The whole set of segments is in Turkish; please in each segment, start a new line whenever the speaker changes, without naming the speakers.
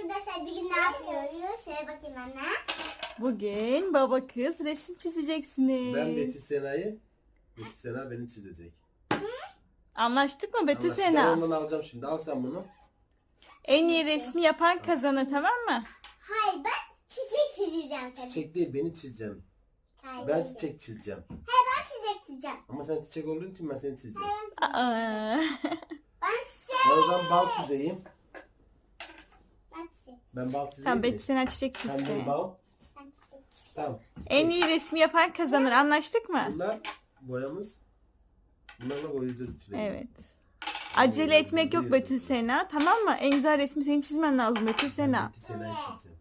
arkadaşlar bugün ne yapıyoruz? Şöyle bakayım anne.
Bugün baba kız resim çizeceksiniz.
Ben Betül Sena'yı, Betül Sena beni çizecek.
Anlaştık mı Betül
Anlaştık. Ben
Sena?
ondan alacağım şimdi. Al sen bunu.
En iyi resmi yapan kazanır, tamam mı?
Hayır, ben çiçek çizeceğim tabii.
Çiçek değil, beni çizeceğim.
Hayır,
Ben çiçek çizeceğim.
Hayır, ben çiçek çizeceğim.
Ama sen çiçek olduğun için ben seni çizeceğim.
Aa.
Ben çiçek.
Ben o zaman bal çizeyim.
Ben çiçek.
Ben bal çizeyim
Tamam
mi?
Betül Sena çiçek
Sen
çizdi.
bunu bal.
Ben çiçek.
Tamam.
En iyi resmi yapan kazanır, anlaştık mı?
Bunlar boyamız. Bunlarla boyayacağız içine.
Evet. Acele etmek yok Betül Sena, tamam mı? En güzel resmi senin çizmen lazım Betül Sena.
Betül Sena'yı çizeceğim.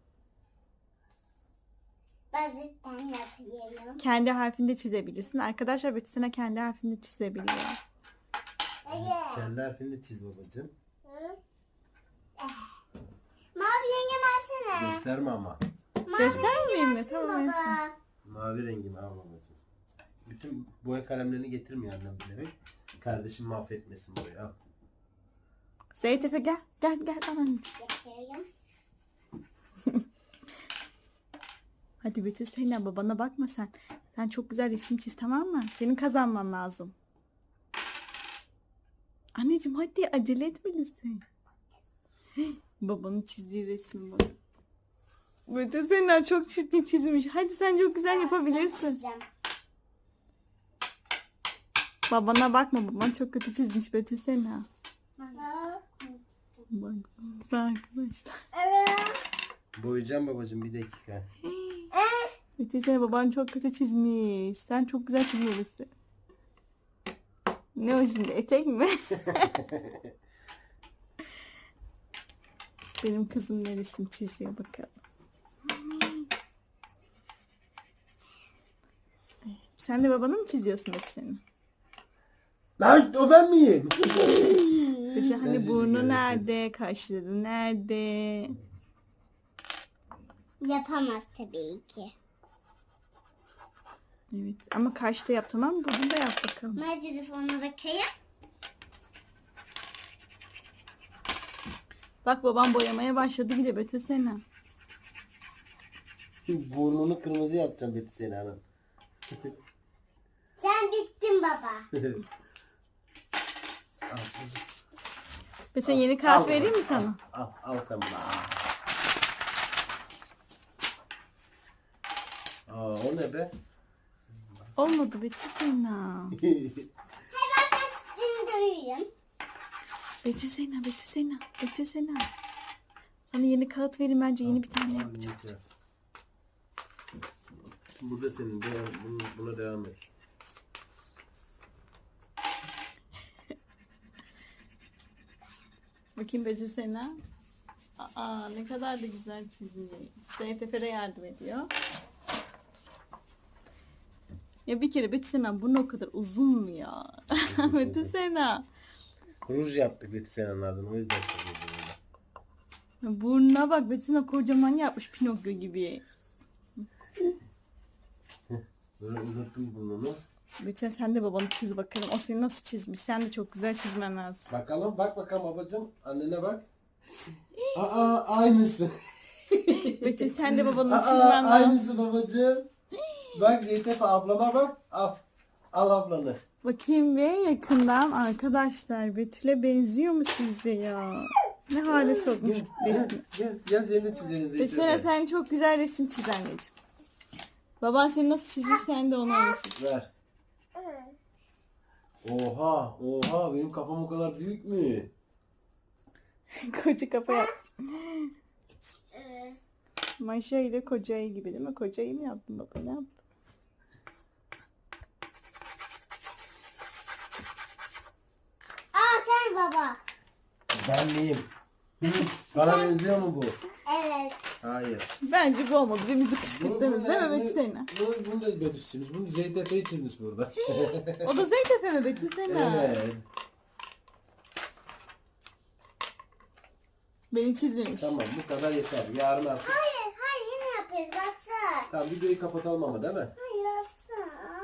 Ben cidden yapıyorum.
Kendi harfinde çizebilirsin. Arkadaşlar Betül Sena kendi harfinde çizebiliyor.
Evet.
Kendi harfini çiz babacığım.
Mavi yengem alsana.
Gösterme ama.
Göstermeyeyim mi?
Alsın
Tamam neyse.
baba.
Mavi rengimi al babacığım. Bütün boya kalemlerini getirmiyor annem bilerek. Kardeşim mahvetmesin boyu. Al.
Zeynep Efe gel. Gel al anneciğim.
Yapıyorum.
Hadi Betül Sena babana bakma sen. Sen çok güzel resim çiz, tamam mı? Senin kazanman lazım. Anneciğim hadi acele etmelisin. Babanın çizdiği resmi bak. Betül Sena çok çirkin çizmiş. Hadi sen çok güzel yapabilirsin.
Çizeceğim.
Babana bakma, baban çok kötü çizmiş Betül Sena. Bak arkadaşlar.
Evet.
Boyayacağım babacığım, bir dakika.
Betül Sena baban çok kötü çizmiş. Sen çok güzel çizmelisin. Ne o şimdi, etek mi? Benim kızım ne resim çiziyor bakalım. Sen de babanı mı çiziyorsun Betül Sena?
Lan o ben miyim?
Betül hani
şimdi
burnu
görürsün.
nerede, kaşları nerede?
Yapamaz tabii ki.
Evet ama kaşta yap, tamam mı? Bunu da yap bakalım.
Ben telefonuna bakayım.
Bak babam boyamaya başladı bile Betül Sena.
Burnunu kırmızı yapacağım Betül Sena'nın.
Sen bittin baba.
Betül yeni kağıt
Al
vereyim mi
babacığım,
sana?
Al sen bunu. O ne be?
Olmadı Betül Sena.
Hayır, ben sen çizdiğini duyuyorum.
Betül Sena, Betül Sena, Betül Sena. Sana yeni kağıt vereyim, bence yeni bir tane
Al,
yapacağım.
yeter. Bu da senin. Buna devam et.
Bakayım Betül Sena. Aa ne kadar da güzel çizmiş. Zeynep Efe de yardım ediyor. Ya bir kere Betül Sena burnu o kadar uzun mu ya? Betül Sena.
Ruj yaptık Betül Sena'nın adını. O yüzden kırmızı.
Burnuna bak, Betül Sena kocaman yapmış Pinokyo gibi.
Böyle uzattım burnunu.
Betül Sena sen de babanı çiz bakalım. O seni nasıl çizmiş? Sen de çok güzel çizmen lazım.
Bakalım, bak bakalım babacığım. Annene bak. Aynısı.
Betül sen de babanı çizmen lazım.
Aynısı babacığım. Bak Zeytepe ablama bak. Al ablanı.
Bakayım bir yakından arkadaşlar. Betül'e benziyor mu sizce ya? Ne hale sokmuş resmi.
Gel yerine çizelim
Betül'e
Zeytepe.
sen çok güzel resim çiz anneciğim. Baban seni nasıl çizmiş, sen de onu öyle çiz.
Ver. Oha benim kafam o kadar büyük mü?
Koca kafa yap. Maşa ile koca ayı gibi değil mi? Koca ayı mı yaptın baba? Ne yaptın?
Sen baba.
Ben miyim? Bana benziyor mu bu?
Evet.
Hayır.
Bence bu olmadı. Birbirimizi kışkırttınız değil mi Betül Sena?
Bunu da Betül çizmiş. Bunu Zeytepe'yi çizmiş burada.
O da Zeynep Efe mi Betül Sena?
Evet.
Beni çizmemiş.
Tamam bu kadar yeter. Yarın artık.
Hayır yine yapıyoruz. Baksana.
Tamam videoyu kapatalım ama değil mi?
Hayır baksana.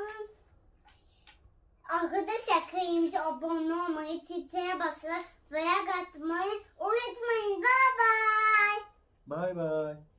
Arkadaşlar kayımcı abone olmayı, titreye basmayı, like atmayı unutmayın. Bye bye.
Bay bay.